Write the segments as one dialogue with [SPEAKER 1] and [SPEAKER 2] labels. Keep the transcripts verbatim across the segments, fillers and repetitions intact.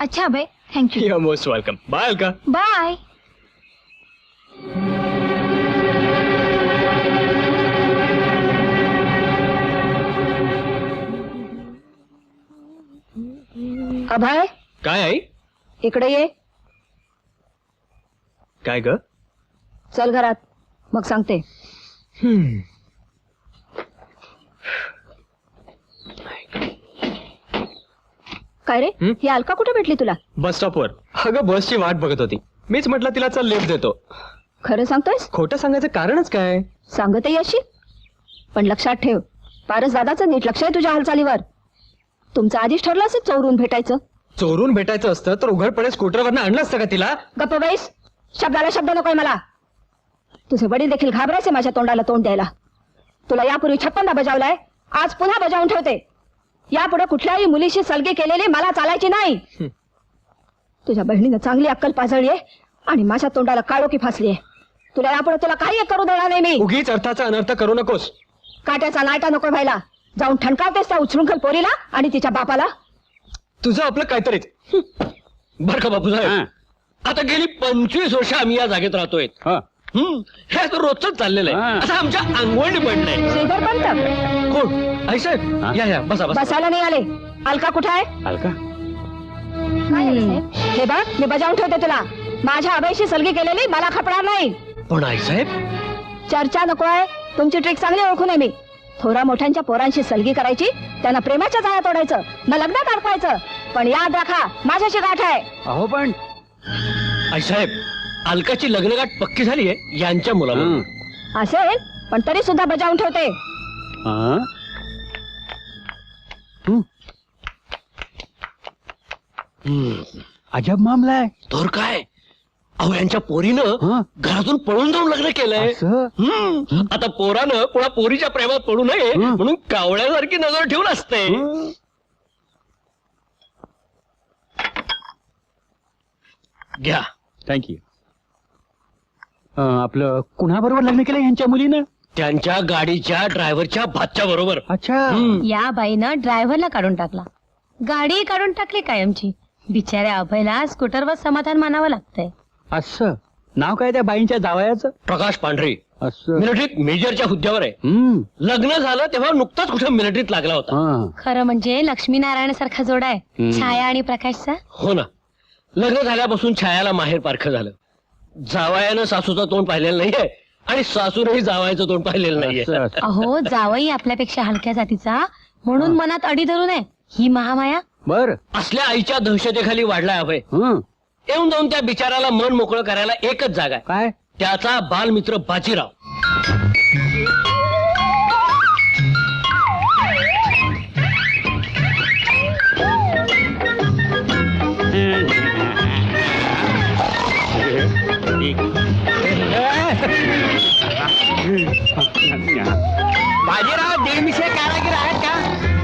[SPEAKER 1] अच्छा Abhay, thank you.
[SPEAKER 2] You most welcome. Bye Alka.
[SPEAKER 1] Bye. Abhay,
[SPEAKER 2] काय आई?
[SPEAKER 1] इकडे ये.
[SPEAKER 2] काय ग?
[SPEAKER 1] चल घरात, मग सांगते.
[SPEAKER 2] हम्म.
[SPEAKER 1] काय रे,
[SPEAKER 2] हं?
[SPEAKER 1] ही अलका कुठे भेटली तुला?
[SPEAKER 2] बस स्टॉपवर. अगं बसची वाट बघत होती. मीच म्हटलं तिला चल लिफ्ट देतो.
[SPEAKER 1] खरं सांगतोयस?
[SPEAKER 2] खोटं सांगायचं कारणच काय?
[SPEAKER 1] सांगते अशी, पण लक्षात ठेव, पारस दादाचं नीट लक्ष आहे तुझ्या हालचालीवर. तुमचं आधीच ठरलं असेल चौरून भेटायचं.
[SPEAKER 2] चोरून भेटायचं असतं तर उघडपणे स्कूटरवरनं आणलं असतं का तिला?
[SPEAKER 1] गप्प बैस, शब्दाला शब्द नकोय मला. तुझे वडील देखील घाबरायचे माझ्या तोंडाला तोंड द्यायला. तुला यापूर्वी छप्पनदा बजावलाय, आज पुन्हा बजावून ठेवते. यापुढे कुठल्याही मुलीशी सलगी केलेली मला चालायची नाही.
[SPEAKER 2] हं.
[SPEAKER 1] तुझ्या बहिणीनं चांगली अक्कल पाजळली आहे आणि माझ्या तोंडाला काळोखी फासली आहे. तुला यापुढे तुला काही एक करू देणार नाही मी.
[SPEAKER 2] उगीच अर्थाचा अनर्थ करू नकोस.
[SPEAKER 1] काट्याचा नाटा नको व्हायला. जाऊन ठणकावतेस त्या उचलूनखल पोरीला आणि तिच्या बापाला.
[SPEAKER 2] तुझं आपलं काहीतरीच. बर का बापू साहेब, आता गेली पंचवीस वर्ष आम्ही या जागेत राहतोय. हम्म, हे आता रोजच चाललेलं आहे. असं आमच्या अंगवळणी पडलंय.
[SPEAKER 1] श्रीधर पंत
[SPEAKER 2] कोण? आई साहेब, या या बसा बसा.
[SPEAKER 1] बसायला नाही आले. अलका कुठे आहे?
[SPEAKER 2] अलका?
[SPEAKER 1] हे बघ, मी बजावून ठेवते तुला. माझ्या अभयशी सलगी केलेली मला खपणार नाही.
[SPEAKER 2] पण आई साहेब,
[SPEAKER 1] चर्चा नको आहे. तुमची ट्रिक चांगली ओळखून आहे मी. थोरा मोठ्यांच्या पोरांशी सलगी करायची, त्यांना प्रेमाच्या जाळ्या तोडायचं, न लग्नात अडकवायचं. पण याद राखा, माझ्याशी गाठ आहे.
[SPEAKER 2] अहो पण आई साहेब, अलकाची लग्नगाठ पक्की झाली आहे यांच्या मुलाला.
[SPEAKER 1] असेल, पण तरी सुद्धा बजावून ठेवते.
[SPEAKER 2] अजब मामला आहे. तर काय, अहो यांच्या पोरीनं घरातून पळून जाऊन लग्न केलंय. हम्म. आता पोरानं कोणा पोरीच्या प्रेमात पडू नये म्हणून कावळ्यासारखी नजर ठेवून असते. घ्या.
[SPEAKER 3] थँक्यू. आपलं कुणाबरोबर लग्न केलं यांच्या मुलीनं?
[SPEAKER 2] त्यांच्या गाडीच्या ड्रायव्हरच्या भाच्या बरोबर.
[SPEAKER 3] अच्छा.
[SPEAKER 4] या बाईनं ड्रायव्हरला काढून टाकला, गाडी काढून टाकली कायमची. बिचाऱ्या अभयला स्कूटरवर समाधान मानावं लागतंय.
[SPEAKER 3] असं नाव काय त्या बाईंच्या जावयाचं?
[SPEAKER 2] प्रकाश पांढरे.
[SPEAKER 3] असं.
[SPEAKER 2] मिलिटरीत मेजरच्या हुद्द्यावर आहे.
[SPEAKER 3] हम्म.
[SPEAKER 2] लग्न झालं तेव्हा नुकताच कुठे मिलिटरीत लागला होता.
[SPEAKER 3] हा.
[SPEAKER 4] खरं म्हणजे लक्ष्मीनारायण सारखा जोडा आहे,
[SPEAKER 3] हम्म.
[SPEAKER 4] छाया आणि प्रकाशचा.
[SPEAKER 2] हो ना, लग्न झाल्यापासून छायाला माहेर पारखं झालं. जावयानं सासूचं तोंड पाहिलेलं नाहीये आणि सासूनही जावयाचं तोंड पाहिलेलं नाहीये.
[SPEAKER 3] असं, असं.
[SPEAKER 4] अहो, जावई आपल्यापेक्षा हलक्या जातीचा म्हणून मनात अडी धरू नये. ही महामाया.
[SPEAKER 3] बर.
[SPEAKER 2] असल्या आईच्या दहशतेखाली वाढलाय अभय.
[SPEAKER 3] हं.
[SPEAKER 2] येऊन जाऊन त्या बिचाराला मन मोकळं करायला एकच जागा आहे,
[SPEAKER 3] काय?
[SPEAKER 2] त्याचा बालमित्र बाजीराव.
[SPEAKER 3] बाजीराव दीडमिशे कारागीर आहेत का?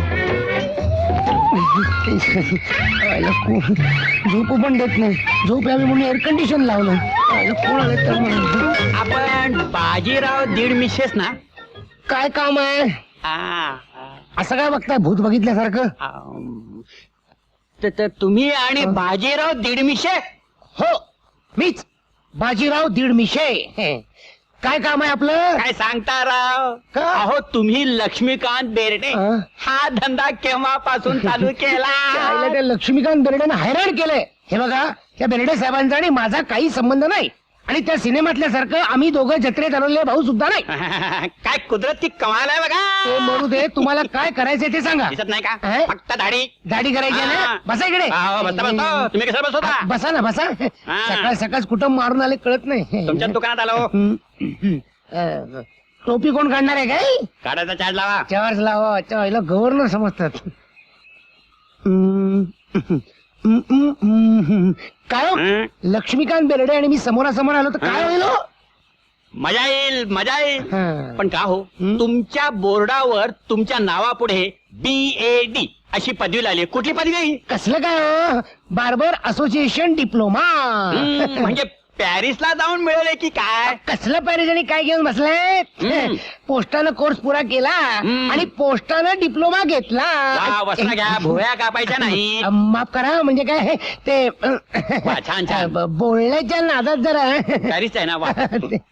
[SPEAKER 5] झोप पण देत नाही. झोप यावी म्हणून एअर कंडिशन लावलं. कोण आलं तर म्हणून.
[SPEAKER 3] आपण बाजीराव दीडमिशेस ना?
[SPEAKER 5] काय काम आहे?
[SPEAKER 3] आ,
[SPEAKER 5] असं काय बघताय भूत बघितल्यासारखं?
[SPEAKER 3] आम, त- त- तुम्ही आणि बाजीराव दीडमिशे?
[SPEAKER 5] हो, मीच बाजीराव दीडमिशे. काय काम आहे आपलं?
[SPEAKER 3] काय सांगता राव?
[SPEAKER 5] का?
[SPEAKER 3] अहो तुम्ही लक्ष्मीकांत बेर्डे
[SPEAKER 5] अं?
[SPEAKER 3] हा धंदा केव्हापासून चालू केला?
[SPEAKER 5] आईला त्या लक्ष्मीकांत बेर्डेनं हैराण केलंय. हे बघा, त्या बेर्डे साहेबांचा आणि माझा काही संबंध नाही. आणि त्या सिनेमातल्या सारखं आम्ही दोघं जत्रेत आलेले भाऊ सुद्धा नाही.
[SPEAKER 3] काय कुदरती कमाल आहे
[SPEAKER 5] ते
[SPEAKER 3] बघा.
[SPEAKER 5] मरू दे, तुम्हाला काय करायचंय ते सांगा.
[SPEAKER 3] दिसत नाही का?
[SPEAKER 5] अं?
[SPEAKER 3] फक्त दाढी.
[SPEAKER 5] दाढी करायची आहे ना?
[SPEAKER 3] हा.
[SPEAKER 5] बसा इकडे.
[SPEAKER 3] अहो, बसता बसता तुम्ही कसं बसवता?
[SPEAKER 5] बसा ना, बसा. सकाळ सकाळ कुठं मारून आले कळत नाही.
[SPEAKER 3] तुमच्या दुकानात आलो.
[SPEAKER 5] अं, टोपी कोण काढणार आहे काय?
[SPEAKER 3] काढायचा चार्ज लावा.
[SPEAKER 5] चार्ज लावा. चायला गव्हर्नर समजतात. हम्म, हम्म, हम्म, हम्म. काय हो?
[SPEAKER 3] हं?
[SPEAKER 5] लक्ष्मीकांत बेर्डे आणि मी समोरासमोर आलो तर काय होईल हो?
[SPEAKER 3] मजा येईल मजा येईल.
[SPEAKER 5] हं.
[SPEAKER 3] पण का हो,
[SPEAKER 5] हं?
[SPEAKER 3] तुमच्या बोर्डावर तुमच्या नावापुढे बी ए डी अशी पदवी लागली. कुठली पदवी?
[SPEAKER 5] कसलं काय हो? Barber association diploma.
[SPEAKER 3] हं, म्हणजे पॅरिसला जाऊन मिळवले की काय
[SPEAKER 5] कसलं पॅरिस आणि काय घेऊन बसलाय
[SPEAKER 3] हम्म.
[SPEAKER 5] पोस्टानं कोर्स पुरा केला
[SPEAKER 3] हम्म.
[SPEAKER 5] आणि पोस्टानं डिप्लोमा
[SPEAKER 3] वा,
[SPEAKER 5] घेतला
[SPEAKER 3] वस्त्र घ्या भोया कापायच्या नाही
[SPEAKER 5] अ, माफ करा म्हणजे काय ते अ,
[SPEAKER 3] वा, छान, छान.
[SPEAKER 5] ब- बोलण्याच्या नादात जरा
[SPEAKER 3] पॅरिस आहे ना वा
[SPEAKER 5] ते-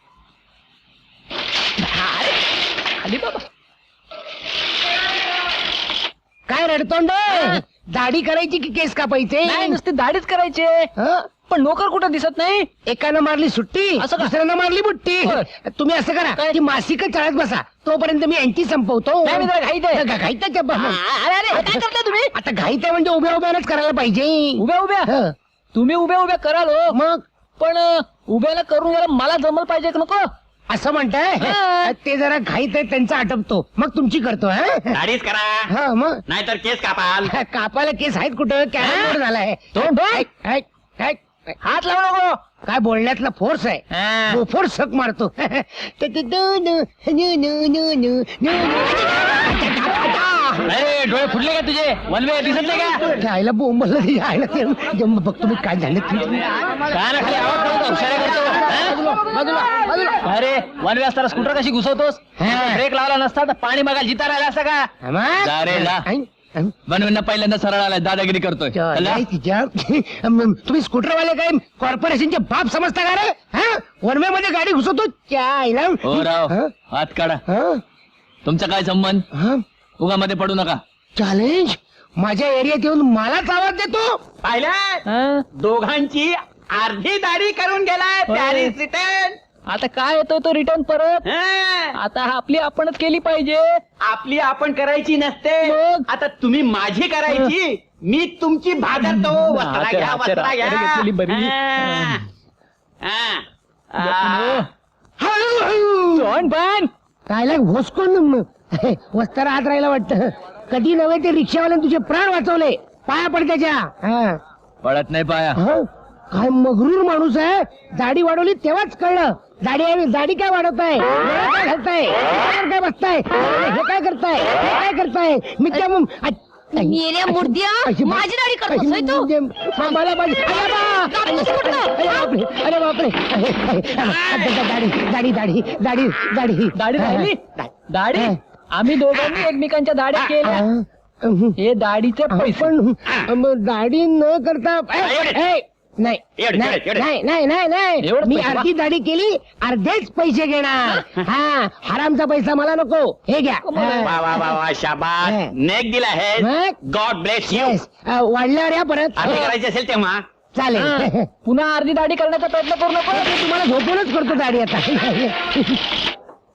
[SPEAKER 2] आली बाबा.
[SPEAKER 5] काय रडतोंड दाढी करायची की केस कापायचे
[SPEAKER 2] नाही नुसती दाढीच करायची
[SPEAKER 5] हं?
[SPEAKER 2] पण नोकर कुठं दिसत नाही.
[SPEAKER 5] एकानं मारली सुट्टी
[SPEAKER 2] असं का?
[SPEAKER 5] दुसऱ्यानं मारली बुट्टी
[SPEAKER 2] बर.
[SPEAKER 5] तुम्ही असं करा की मासिक चाळत बसा तोपर्यंत मी यांची संपवतो
[SPEAKER 2] नाही, मी जरा घाईत आहे.
[SPEAKER 5] घा- घाईत आहे का?
[SPEAKER 2] अरे अरे काय करता तुम्ही
[SPEAKER 5] आता घाईत आहे म्हणजे उभ्या उभ्यानच करायला पाहिजे
[SPEAKER 2] उभ्या उभ्या
[SPEAKER 5] हं.
[SPEAKER 2] तुम्ही उभ्या उभ्या कराल हो.
[SPEAKER 5] मग
[SPEAKER 2] पण अं, उभ्याला करून गेला मला जमल पाहिजे का नको.
[SPEAKER 5] असं म्हणताय
[SPEAKER 2] हं.
[SPEAKER 5] ते जरा घाईत आहे त्यांचा आटपतो मग तुमची करतो हं?
[SPEAKER 3] दाढीच करा
[SPEAKER 5] हा मग
[SPEAKER 3] नाहीतर केस कापाल
[SPEAKER 5] कापायला केस आहेत कुठं कॅरम बोर्ड झालाय
[SPEAKER 2] तोंड बघ.
[SPEAKER 5] ऐक, ऐक, ऐक.
[SPEAKER 2] हात लावू नको.
[SPEAKER 5] काय बोलण्यातला फोर्स आहे
[SPEAKER 2] हा.
[SPEAKER 5] गोफोर सक मारतो ते- ते- दु- दु- नु- नु- नु- नु- नु-
[SPEAKER 2] अरे डोळे फुटले का तुझे वनवे दिसत नाही का.
[SPEAKER 5] त्या आईला बोंबलं तिच्या आईला ते जम- बघतो मी काय झालं ते.
[SPEAKER 2] काय ना खाली आवाज करतो, इशारा करतो.
[SPEAKER 5] बाजूला,
[SPEAKER 2] हं?
[SPEAKER 5] बाजूला, बाजूला.
[SPEAKER 2] अरे वनवे असताना स्कूटर कशी घुसवतोस
[SPEAKER 5] हा.
[SPEAKER 2] ब्रेक लावला नसता तर पाणी मागायला जिता राहिला असता का.
[SPEAKER 5] हा, मग?
[SPEAKER 2] जा रे, जा.
[SPEAKER 5] ऐक, ऐक.
[SPEAKER 2] वनवेंना पहिल्यांदा सरळ आलाय दादागिरी करतोय.
[SPEAKER 5] त्या
[SPEAKER 2] चला.
[SPEAKER 5] आई तिच्या अम, तुम्ही स्कूटरवाले काय कॉर्पोरेशनचे बाप समजता का रे हा वनवे मध्ये गाडी घुसवतो त्या आईला
[SPEAKER 2] हो राव
[SPEAKER 5] हं?
[SPEAKER 2] हात काढा.
[SPEAKER 5] हं?
[SPEAKER 2] तुमचा काय संबंध
[SPEAKER 5] हं?
[SPEAKER 2] उगामध्ये पडू नका.
[SPEAKER 5] चॅलेंज माझ्या एरियात येऊन मलाच आवाज देतो
[SPEAKER 3] पाहिलं
[SPEAKER 2] हं?
[SPEAKER 3] दोघांची अर्धी दाढी करून गेलाय
[SPEAKER 2] होय.
[SPEAKER 3] पॅरिस रिटर्न
[SPEAKER 2] आता काय येतोय तो रिटर्न परत.
[SPEAKER 3] हं.
[SPEAKER 2] आता आपली आपणच केली पाहिजे.
[SPEAKER 3] आपली आपण करायची नसते
[SPEAKER 2] मग?
[SPEAKER 3] आता तुम्ही माझी करायची मी तुमची भादरतो वस्त्रा
[SPEAKER 2] हाते-
[SPEAKER 3] घ्या
[SPEAKER 2] हाते-
[SPEAKER 3] वस्त्रा
[SPEAKER 2] हाते
[SPEAKER 3] घ्या
[SPEAKER 2] घेतलेली बरी.
[SPEAKER 3] हं. हं. आ.
[SPEAKER 5] हळूहळू.
[SPEAKER 2] तोंड बांध.
[SPEAKER 5] कायला घोसकोन वस्तारा हात राहिला वाटत कधी नव्हे ते रिक्षावाल्याने तुझे प्राण वाचवले पाया पड त्याच्या हा.
[SPEAKER 2] पडत नाही पाया.
[SPEAKER 5] हा? काय मगरूर माणूस आहे दाढी वाढवली तेव्हाच कळलं दाढी आहे दाढी काय वाढवताय डोळा काय घालताय डोळ्यावर काय बसताय हे काय करताय हे काय करताय मी त्या मग- आ-
[SPEAKER 4] मेल्या मुर्द्या,
[SPEAKER 5] अशी-
[SPEAKER 4] माझी दाढी करतोस होय तू?
[SPEAKER 5] हा, मला माझी- अरे बा!
[SPEAKER 4] कापूस कुठलं?
[SPEAKER 5] अरे बापरे अरे बापरे दाढी दाढी दाढी दाढी दाढी
[SPEAKER 2] दाढी राहिली दाढी आम्ही दोघांनी एकमेकांच्या दाढ्या केल्या. हे दाढीचे पैसे.
[SPEAKER 5] पण मग दाढी न करता ए, ए, नाही
[SPEAKER 3] एवढे,
[SPEAKER 5] नाही
[SPEAKER 3] एवढे.
[SPEAKER 5] नाही नाही नाही नाही
[SPEAKER 2] एवढेच
[SPEAKER 5] मी
[SPEAKER 2] पैसे
[SPEAKER 5] अर्धी दाढी केली अर्धेच पैसे घेणार हा हरामचा पैसा मला नको हे घ्या
[SPEAKER 3] वा वा वा वा शाबास
[SPEAKER 5] हं.
[SPEAKER 3] नेक दिला आहे
[SPEAKER 5] मग?
[SPEAKER 3] गॉड ब्लेस यू
[SPEAKER 5] येस वाढल्यावर या परत
[SPEAKER 3] अर्धी करायची असेल तेव्हा
[SPEAKER 5] चालेल
[SPEAKER 2] पुन्हा अर्धी दाढी करण्याचा प्रयत्न करू नको.
[SPEAKER 5] मी तुम्हाला झोपूनच करतो दाढी आता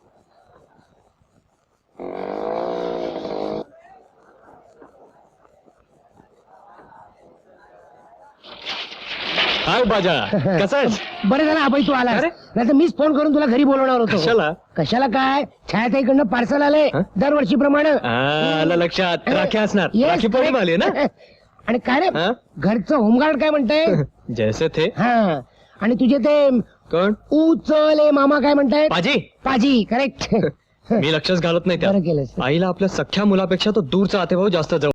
[SPEAKER 2] काय बाजा कसा
[SPEAKER 5] बरं झालं अभय तू आला
[SPEAKER 2] अरे?
[SPEAKER 5] नाही तर मीच फोन करून तुला घरी बोलवणार होतो
[SPEAKER 2] कशाला?
[SPEAKER 5] कशाला काय छायाताईकडनं पार्सल आलंय
[SPEAKER 2] हं?
[SPEAKER 5] दरवर्षीप्रमाणे
[SPEAKER 2] आलं लक्षात राखी असणार
[SPEAKER 5] Yes,
[SPEAKER 2] राखी पौर्णिमा आली ना.
[SPEAKER 5] आणि काय रे
[SPEAKER 2] हं?
[SPEAKER 5] घरचं होमगार्ड काय म्हणताय
[SPEAKER 2] जैसे थे
[SPEAKER 5] हा आणि तुझे ते
[SPEAKER 2] कोण
[SPEAKER 5] उचले मामा काय म्हणतायत
[SPEAKER 2] पाजी
[SPEAKER 5] पाजी करेक्ट
[SPEAKER 2] मी लक्षच घालत नाही
[SPEAKER 5] बरं
[SPEAKER 2] त्या
[SPEAKER 5] केलंस
[SPEAKER 2] आईला आपल्या सख्या मुलापेक्षा तो दूरचा आतेभाऊ जास्त जवळ